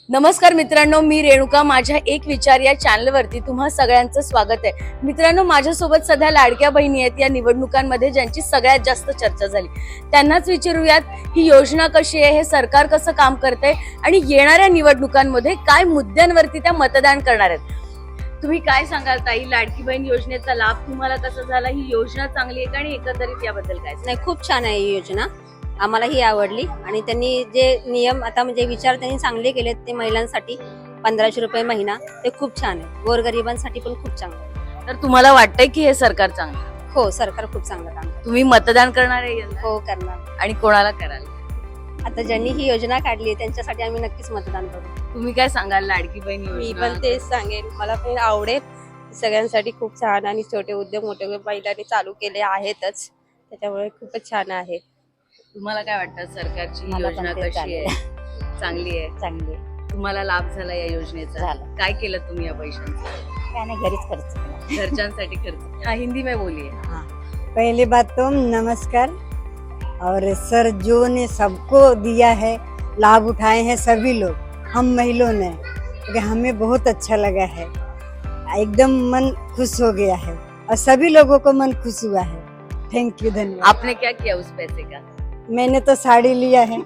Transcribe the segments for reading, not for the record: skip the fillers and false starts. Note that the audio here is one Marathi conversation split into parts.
नमस्कार मित्रांनो, मी रेणुका. माझ्या एक विचार या चॅनलवरती तुम्हा सगळ्यांचं स्वागत आहे. मित्रांनो, माझ्यासोबत सध्या लाडक्या बहिणी आहेत या निवडणुकांमध्ये ज्यांची सगळ्यात जास्त चर्चा झाली. त्यांनाच विचारूयात ही योजना कशी आहे, हे सरकार कसं काम करतंय आणि येणाऱ्या निवडणुकांमध्ये काय मुद्द्यांवरती त्या मतदान करणार आहेत. तुम्ही काय सांगाल ताई, लाडकी बहीण योजनेचा लाभ तुम्हाला कसा झाला? ही योजना चांगली आहे का आणि एकंदरीत याबद्दल काय? नाही, खूप छान आहे ही योजना. आम्हाला ही आवडली आणि त्यांनी जे नियम आता म्हणजे विचार त्यांनी चांगले केलेत ते महिलांसाठी 1500 रुपये महिना, ते खूप छान आहे. गोरगरिबांसाठी पण खूप चांगलं आहे. तर तुम्हाला वाटतंय की हे सरकार चांगलं आहे? हो, सरकार खूप चांगलं काम करतं. तुम्ही मतदान करणार आहे यंदा? हो, करणार. आणि कोणाला कराल? आता ज्यांनी ही योजना काढली आहे त्यांच्यासाठी आम्ही नक्कीच मतदान करू. तुम्ही काय सांगाल लाडकी बहीण मी योजना? पण तेच सांगेन, मला पण आवडेल. सगळ्यांसाठी खूप छान आणि छोटे उद्योग मोठे महिलांनी चालू केले आहेतच, त्याच्यामुळे खूपच छान आहे. तुम्हाला काय वाटतं सरकारची मला पण योजना तेच कशी आहे? चांगली आहे. चांगली तुम्हाला लाभ झाला या योजनेचा? झाला. काय केलं तुम्ही या पैशांचा? काय नाही, घरीच खर्च. घरच्यांसाठी खर्च? हाँ, हिंदी में बोलिए. पहली बात तो नमस्कार। और सर जो ने सबको दिया है, लाभ उठाए हैं सभी लोग, हम महिलाओं ने, क्योंकि हमें बहुत अच्छा लगा है, एकदम मन खुश हो गया है और सभी लोगों को मन खुश हुआ है। थैंक यू, धन्यवाद। आपने क्या किया उस पैसे का? मैंने तो साड़ी लिया है।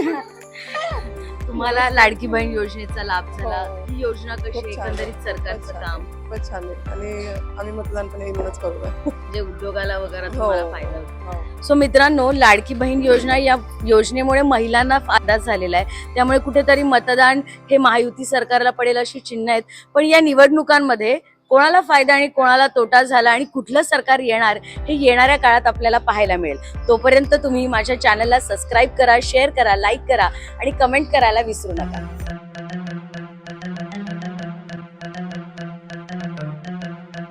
तुम्हाला लाडकी बहीण योजनेचा लाभ झाला? हो. ही योजना कशी खूप आहे? छान. एकंदरीत सरकारचं खूपच काम खूपच छान आहे आणि आम्ही मतदान पण येऊनच करू. जे उद्योगाला वगैरे हो. तुम्हाला फायदा होतो. सो मित्रांनो, लाडकी बहीण योजना या योजनेमुळे महिलांना फायदा झालेला आहे. त्यामुळे कुठेतरी मतदान हे महायुती सरकारला पडेल अशी चिन्ह आहेत. पण या निवडणुकांमध्ये कोणाला फायदा आणि कोणाला तोटा झाला आणि कुठलं सरकार येणार हे येणाऱ्या काळात आपल्याला पाहायला मिळेल. तोपर्यंत तुम्ही माझ्या चॅनलला सबस्क्राईब करा, शेअर करा, लाईक करा आणि कमेंट करायला विसरू नका.